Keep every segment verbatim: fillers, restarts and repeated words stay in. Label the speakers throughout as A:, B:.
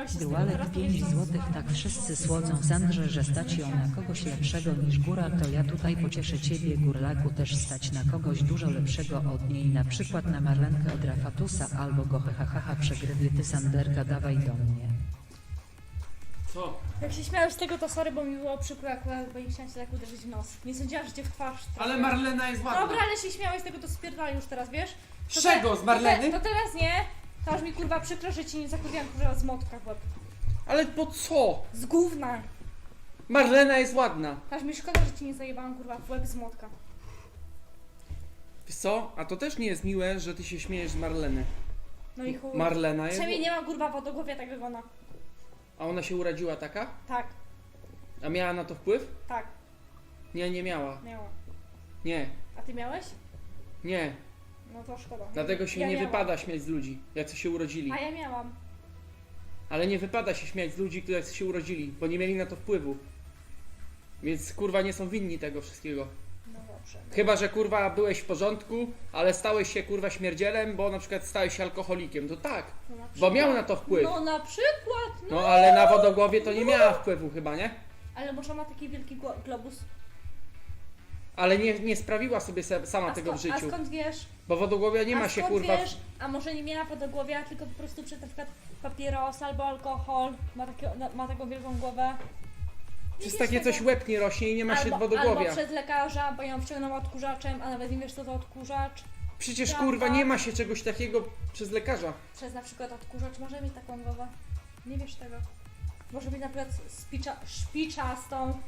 A: śmiałeś się z tego,
B: Dualek
A: teraz
B: pięć
A: powiesz, co-
B: złotych. Tak wszyscy słodzą Sandrze, że stać ją na kogoś lepszego niż góra, to ja tutaj pocieszę ciebie, górlaku, też stać na kogoś dużo lepszego od niej, na przykład na Marlenkę od Rafatusa albo go hehahaha przegrywie, ty Sanderka dawaj do mnie.
C: Co?
A: Jak się śmiałeś z tego, to sorry, bo mi było przykro akurat, bo nie chciałam cię tak uderzyć w nos. Nie sądziłam, że cię w twarz.
C: Ale Marlena jest ładna.
A: Dobra, ale się śmiałeś z tego, to spierdalaj już teraz, wiesz? To
C: Z czego?
A: te-
C: Z Marleny?
A: To, te, to teraz nie. To aż mi kurwa przykro, że ci nie zakurwiłam kurwa z motka w łeb.
C: Ale po co?
A: Z gówna.
C: Marlena jest ładna.
A: Aż mi szkoda, że ci nie zajebałam kurwa w łeb z motka.
C: Wiesz co? A to też nie jest miłe, że ty się śmiejesz z Marleny.
A: No i chuj.
C: Marlena jest...
A: Przynajmniej nie mam kurwa wodogłowia tak jak ona.
C: A ona się urodziła taka?
A: Tak,
C: A miała na to wpływ?
A: tak,
C: Nie, nie miała.
A: miała.
C: Nie,
A: A ty miałeś?
C: nie.
A: No to szkoda.
C: Dlatego się
A: Ja
C: nie
A: miałam.
C: wypada śmiać z ludzi, jacy się urodzili.
A: A ja miałam.
C: Ale nie wypada się śmiać z ludzi, którzy się urodzili, bo nie mieli na to wpływu. Więc kurwa nie są winni tego wszystkiego.
A: No dobrze.
C: Chyba, że kurwa byłeś w porządku, ale stałeś się kurwa śmierdzielem, bo na przykład stałeś się alkoholikiem. To tak,
A: No na
C: bo
A: przykład.
C: miał na to wpływ.
A: No na przykład, no.
C: No ale na wodogłowie to nie miała wpływu chyba, nie?
A: Ale może ma taki wielki gło- globus.
C: Ale nie, nie sprawiła sobie se- sama
A: A,
C: tego w
A: sko- a
C: życiu.
A: skąd wiesz?
C: Bo wodogłowia nie
A: a
C: ma się
A: skąd
C: kurwa...
A: wiesz? A może nie miała wodogłowia, tylko po prostu przez na przykład papieros albo alkohol. Ma, takie, no, ma taką wielką głowę. Nie
C: Przez
A: wiesz
C: takie
A: tego.
C: coś łeb nie rośnie i nie ma się
A: albo,
C: wodogłowia.
A: albo przez lekarza, bo ją wciągnął odkurzaczem, a nawet nie wiesz co to odkurzacz.
C: Przecież
A: Prawda.
C: kurwa nie ma się czegoś takiego przez lekarza.
A: Przez na przykład odkurzacz może mieć taką głowę. Nie wiesz tego. Może być na przykład spicza, szpiczastą.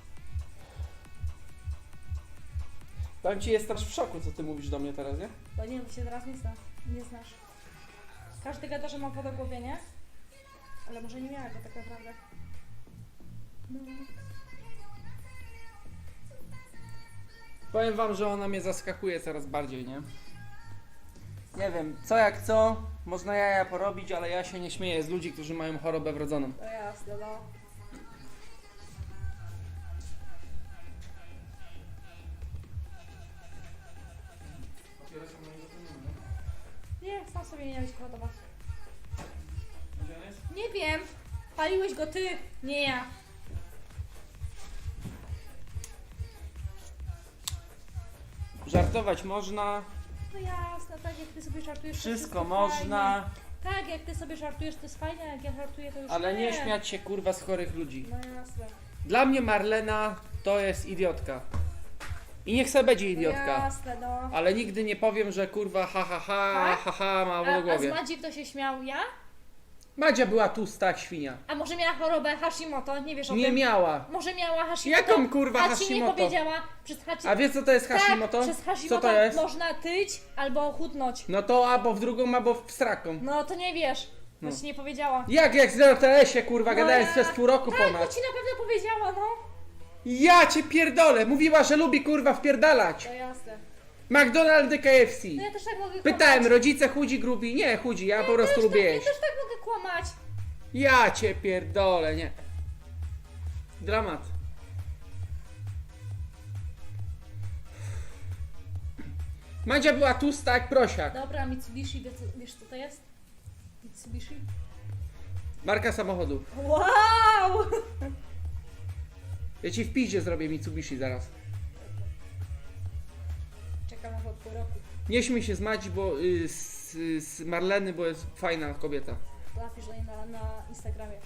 C: Tam ci jestem w szoku, co ty mówisz do mnie teraz, nie?
A: Bo nie, bo się teraz nie znasz. Nie znasz. Każdy gada, że ma wodogłowie, nie? Ale może nie miała go tak naprawdę. No.
C: Powiem wam, że ona mnie zaskakuje coraz bardziej, nie? Nie wiem, co jak co, można jaja porobić, ale ja się nie śmieję z ludzi, którzy mają chorobę wrodzoną.
A: To jasne, no. Nie, sam sobie nie miałeś gotować. Nie wiem. Paliłeś go ty, nie ja.
C: Żartować można,
A: No jasne, tak jak ty sobie żartujesz, to
C: wszystko
A: jest
C: można,
A: fajnie. Tak, jak ty sobie żartujesz, to jest fajnie, a jak ja żartuję, to już
C: ale nie śmiać się kurwa z chorych ludzi.
A: No jasne.
C: Dla mnie Marlena to jest idiotka. I niech se będzie
A: No
C: idiotka.
A: jasne, no.
C: Ale nigdy nie powiem, że kurwa ha ha ha,
A: Tak?
C: ha ha ma
A: A,
C: w
A: a z
C: głowie.
A: Madzi kto się śmiał? Ja?
C: Madzia była tłusta jak świnia.
A: A może miała chorobę Hashimoto? Nie wiesz o
C: Nie
A: tym?
C: miała.
A: Może miała Hashimoto?
C: Jaką kurwa
A: A ci nie
C: Hashimoto?
A: powiedziała przez Hashimoto.
C: A wiesz co to jest Hashimoto?
A: Tak, przez Hashimoto
C: Co to jest?
A: można tyć albo chudnąć.
C: No to albo w drugą, albo w sraką.
A: No to nie wiesz, bo
C: No.
A: ci nie powiedziała.
C: Jak jak z R T S-ie kurwa,
A: No
C: gadałem
A: ja-
C: przez pół roku
A: Tak, to
C: ponad.
A: ci na pewno powiedziała, no.
C: Ja cię pierdolę, mówiła, że lubi kurwa wpierdalać.
A: To jasne.
C: McDonald's, K F C.
A: No ja też tak mogę
C: Pytałem,
A: kłamać.
C: rodzice chudzi, grubi. Nie, chudzi, ja po prostu
A: też
C: lubię
A: tak, ja
C: jeść.
A: też tak mogę kłamać.
C: Ja cię pierdolę, nie. Dramat. Madzia była tłusta jak prosiak.
A: Dobra, Mitsubishi, wiesz, wiesz co to jest? Mitsubishi?
C: Marka samochodu.
A: Wow!
C: Ja ci w piździe zrobię Mitsubishi zaraz.
A: Czekam aż od pół roku.
C: Nie śmiej się z Madzi, bo y, z, z Marleny, bo jest fajna kobieta.
A: Napisz do niej na, na Instagramie.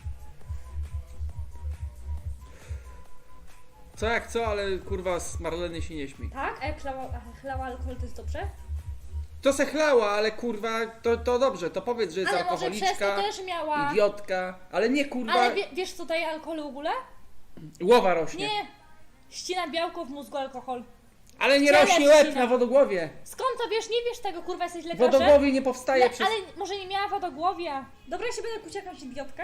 C: Co jak co, ale kurwa z Marleny się nie śmiej.
A: Tak? A jak chlała, a chlała alkohol, to jest dobrze?
C: To se chlała, ale kurwa, to, to dobrze, to powiedz, że jest
A: Ale może przez to
C: alkoholiczka,
A: też miała.
C: idiotka, ale nie kurwa,
A: Ale wie, wiesz co daje alkohol w ogóle?
C: głowa rośnie.
A: Nie. Ścina białko w mózgu alkohol.
C: Ale nie
A: Ciele
C: rośnie łeb
A: ścina.
C: na wodogłowie.
A: Skąd to wiesz? Nie wiesz tego, kurwa, jesteś lekarzem?
C: Wodogłowie nie powstaje
A: Le,
C: przez...
A: ale może nie miała wodogłowia. Dobra, ja się będę kuć jakąś idiotkę?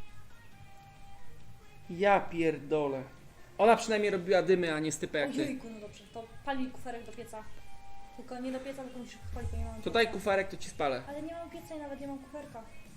C: Ja pierdolę. Ona przynajmniej robiła dymy, a nie stypę jak ty.
A: Ojejku, no dobrze, to pali kuferek do pieca. Tylko nie do pieca, tylko musisz spalić, bo nie mam
C: To
A: pieca.
C: daj kufarek, to ci spalę.
A: Ale nie mam pieca i nawet nie mam kuferka.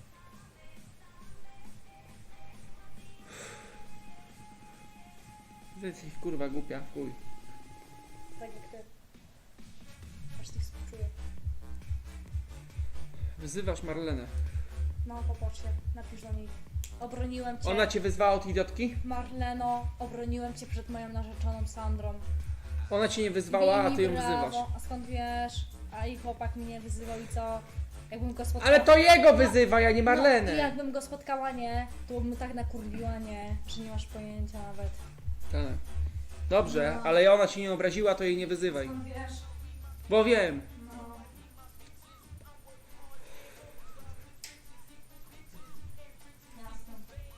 C: Ty jesteś kurwa głupia, chuj.
A: Tak jak ty. Aż tych współczuję.
C: Wyzywasz Marlenę.
A: No, popatrz się, napisz do niej. Obroniłem cię.
C: Ona cię wyzwała od idiotki?
A: Marleno, obroniłem cię przed moją narzeczoną Sandrą.
C: Ona cię nie wyzwała, a
A: Bij
C: ty ją
A: mi brawo.
C: wyzywasz.
A: A skąd wiesz? A i chłopak mnie wyzywał i co? Jakbym go spotkała...
C: Ale to jego wyzywa, ja nie
A: No, i
C: Marlenę.
A: jakbym go spotkała, nie? To bym tak nakurwiła, nie? Że nie masz pojęcia nawet.
C: Tak. Dobrze,
A: No.
C: ale ona cię nie obraziła, to jej nie wyzywaj.
A: Skąd wiesz?
C: Bo wiem.